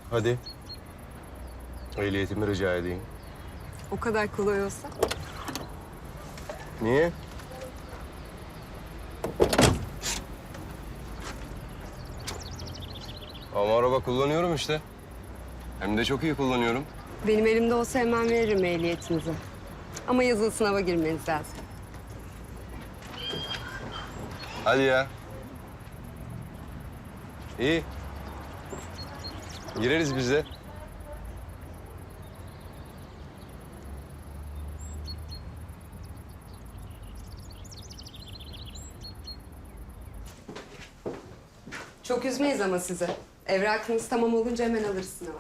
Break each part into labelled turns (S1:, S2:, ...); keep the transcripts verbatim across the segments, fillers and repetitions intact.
S1: Hadi. Ehliyetimi rica edeyim.
S2: O kadar kolay olsa.
S1: Niye? Ama araba kullanıyorum işte. Hem de çok iyi kullanıyorum.
S2: Benim elimde olsa hemen veririm ehliyetinizi. Ama yazılı sınava girmeniz lazım.
S1: Hadi ya. İyi. Gireriz biz de.
S2: Çok üzmeyiz ama sizi. Evrakınız tamam olunca hemen alırız sınava.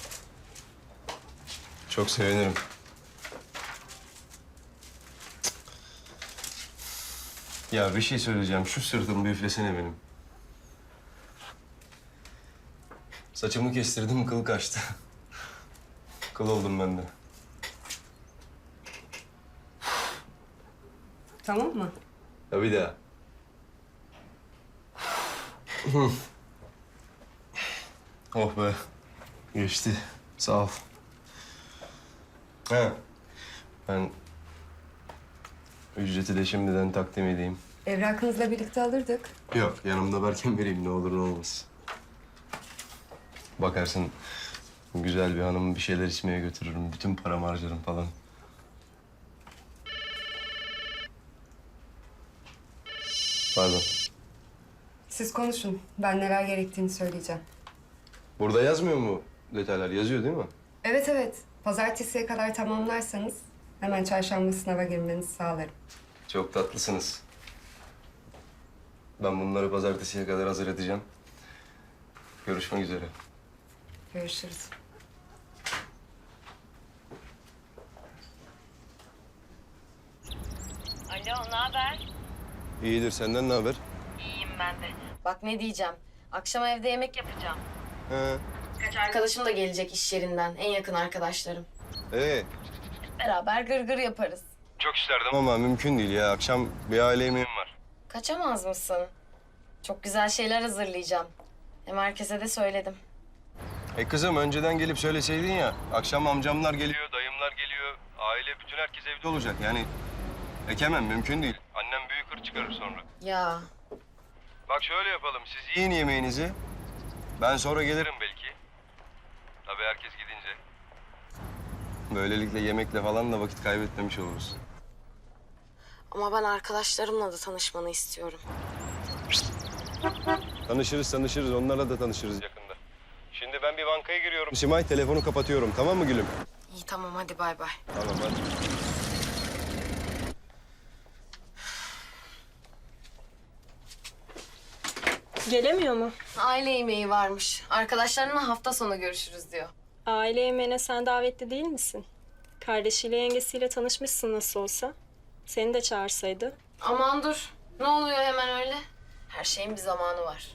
S1: Çok sevinirim. Ya bir şey söyleyeceğim. Şu sırtım bir üflesene benim. Saçımı kestirdim, kıl kaçtı. Kıl oldum ben de.
S2: Tamam mı?
S1: Ya bir daha. Oh be. Geçti. Sağ ol. Ha. Ben ücreti de şimdiden takdim edeyim.
S2: Evrakınızla birlikte alırdık.
S1: Yok, yanımda varken vereyim ne olur ne olmaz. Bakarsın güzel bir hanım bir şeyler içmeye götürürüm. Bütün paramı harcarım falan. Pardon.
S2: Siz konuşun. Ben neler gerektiğini söyleyeceğim.
S1: Burada yazmıyor mu detaylar? Yazıyor değil mi?
S2: Evet evet. Pazartesiye kadar tamamlarsanız hemen çarşamba sınava girmenizi sağlarım.
S1: Çok tatlısınız. Ben bunları pazartesiye kadar hazır edeceğim. Görüşmek üzere.
S2: Görüşürüz.
S3: Alo, ne haber?
S1: İyidir. Senden ne haber?
S3: İyiyim ben de. Bak ne diyeceğim. Akşam evde yemek yapacağım.
S1: He.
S3: Kaç arkadaşım da gelecek iş yerinden. En yakın arkadaşlarım.
S1: Ee,
S3: Beraber gırgır yaparız.
S1: çok isterdim ama mümkün değil ya. Akşam bir aile yemeğim var.
S3: Kaçamaz mısın? Çok güzel şeyler hazırlayacağım. Hem herkese de söyledim.
S1: E kızım önceden gelip söyleseydin ya. Akşam amcamlar geliyor, dayımlar geliyor. Aile bütün herkes evde olacak yani. Ekemem mümkün değil. Annem büyük hır çıkarır sonra.
S3: Ya
S1: Bak şöyle yapalım. Siz yiyin yemeğinizi. Ben sonra gelirim belki. Tabii herkes gidince. Böylelikle yemekle falan da vakit kaybetmemiş oluruz.
S3: ama ben arkadaşlarımla da tanışmanı istiyorum.
S1: Tanışırız tanışırız. Onlarla da tanışırız yakında. Şimdi ben bir bankaya giriyorum. Simay telefonu kapatıyorum. Tamam mı gülüm?
S3: İyi tamam hadi bay bay.
S1: Tamam hadi.
S4: Gelemiyor mu?
S3: Aile yemeği varmış. Arkadaşlarımla hafta sonu görüşürüz diyor.
S4: Aile yemeğine sen davetli değil misin? Kardeşiyle yengesiyle tanışmışsın nasıl olsa. Seni de çağırsaydı.
S3: Aman dur. Ne oluyor hemen öyle? Her şeyin bir zamanı var.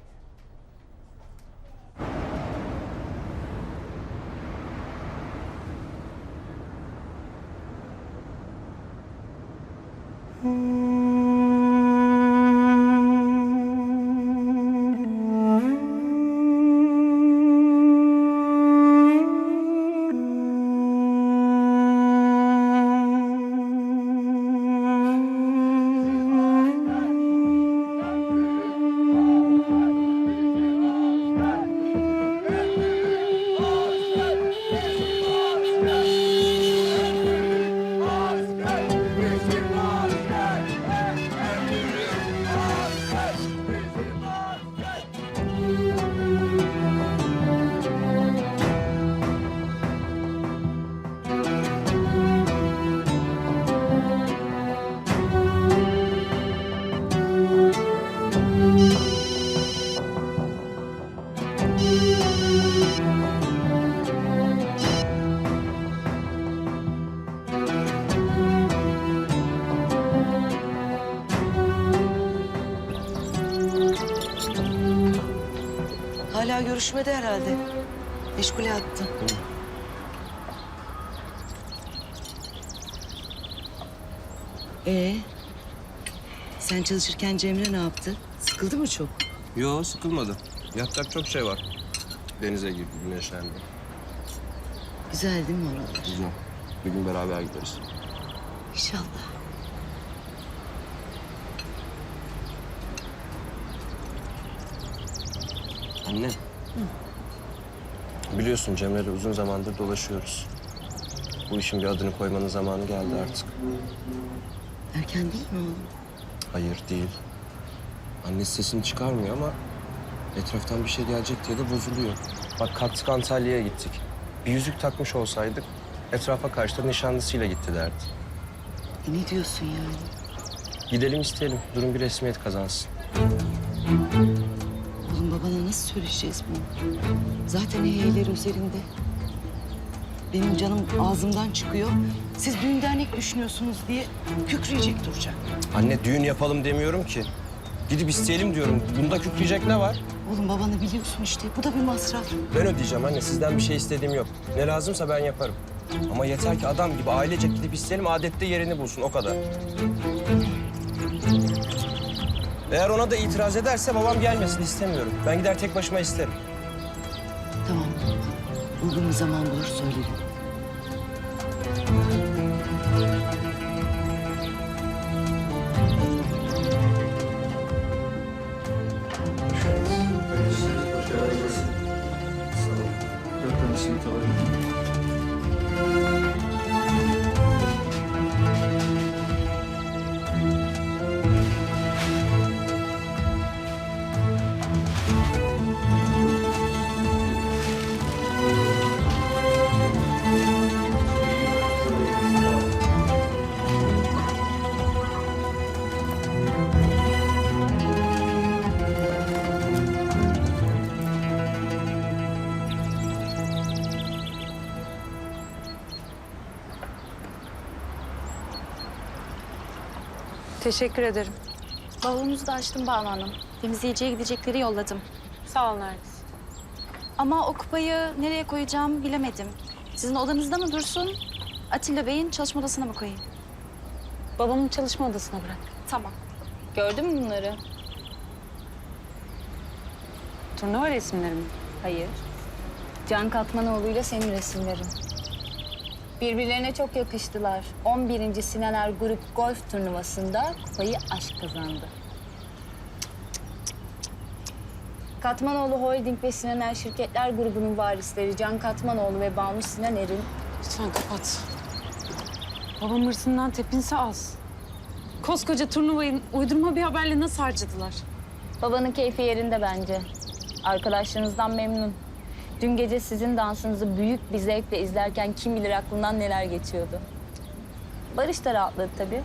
S5: Hala görüşmedi herhalde. Meşgule attı. Ee, sen çalışırken Cemre ne yaptı? Sıkıldı mı çok?
S1: Yo sıkılmadı. Yapacak çok şey var. Denize girdi, güneşlendi.
S5: Güzel değil mi oralar?
S1: Güzel. Bir gün beraber gideriz.
S5: İnşallah.
S1: Anne. Biliyorsun Cemre'yle uzun zamandır dolaşıyoruz. Bu işin bir adını koymanın zamanı geldi artık.
S5: Erken değil mi oğlum?
S1: Hayır değil. Annesi sesini çıkarmıyor ama etraftan bir şey gelecek diye de bozuluyor. Bak kalktık Antalya'ya gittik. Bir yüzük takmış olsaydık etrafa karşı da nişanlısıyla gitti derdi.
S5: E ne diyorsun yani?
S1: Gidelim isteyelim. Durum bir resmiyet kazansın.
S5: Oğlum babana nasıl söyleyeceğiz bunu? Zaten heyeyler üzerinde. Benim canım ağzımdan çıkıyor. Siz düğün dernek düşünüyorsunuz diye kükreyecek duracak.
S1: Anne düğün yapalım demiyorum ki. Gidip isteyelim diyorum. Bunda kükreyecek ne var?
S5: Oğlum babanı biliyorsun işte. Bu da bir masraf.
S1: Ben ödeyeceğim anne. Sizden bir şey istediğim yok. Ne lazımsa ben yaparım. Ama yeter ki adam gibi ailecek gidip isteyelim, adette yerini bulsun. O kadar. Eğer ona da itiraz ederse babam gelmesin istemiyorum. Ben gider tek başıma isterim.
S5: Tamam. Uygun bir zaman bulur söylerim.
S6: Teşekkür ederim.
S7: Bavulunuzu da açtım Banu Hanım. Temizleyiciye gidecekleri yolladım.
S6: Sağ ol Nergis.
S7: Ama o kupayı nereye koyacağım bilemedim. Sizin odanızda mı dursun? Atilla Bey'in çalışma odasına mı koyayım?
S6: Babamın çalışma odasına bırak.
S7: Tamam. Gördün mü bunları?
S6: Turnuva resimleri mi?
S7: Hayır. Can Katmanoğlu ile senin resimlerin. Birbirlerine çok yakıştılar. on birinci Sinaner Grup Golf Turnuvası'nda kupayı aşk kazandı. Katmanoğlu Holding ve Sinaner Şirketler Grubu'nun varisleri Can Katmanoğlu ve Banu Sinaner'in
S6: Lütfen kapat. Babam hırsından tepinse az. Koskoca turnuvayı uydurma bir haberle nasıl harcadılar?
S7: babanın keyfi yerinde bence. Arkadaşlarınızdan memnun. Dün gece sizin dansınızı büyük bir zevkle izlerken kim bilir aklından neler geçiyordu. Barış da rahatladı tabii.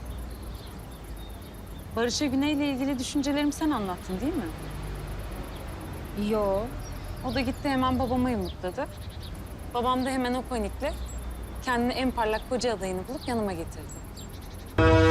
S6: Barış'a Güney'le ilgili düşüncelerimi sen anlattın değil mi?
S7: Yo.
S6: O da gitti hemen babama yumurtladı. Babam da hemen o panikle kendini en parlak koca adayını bulup yanıma getirdi.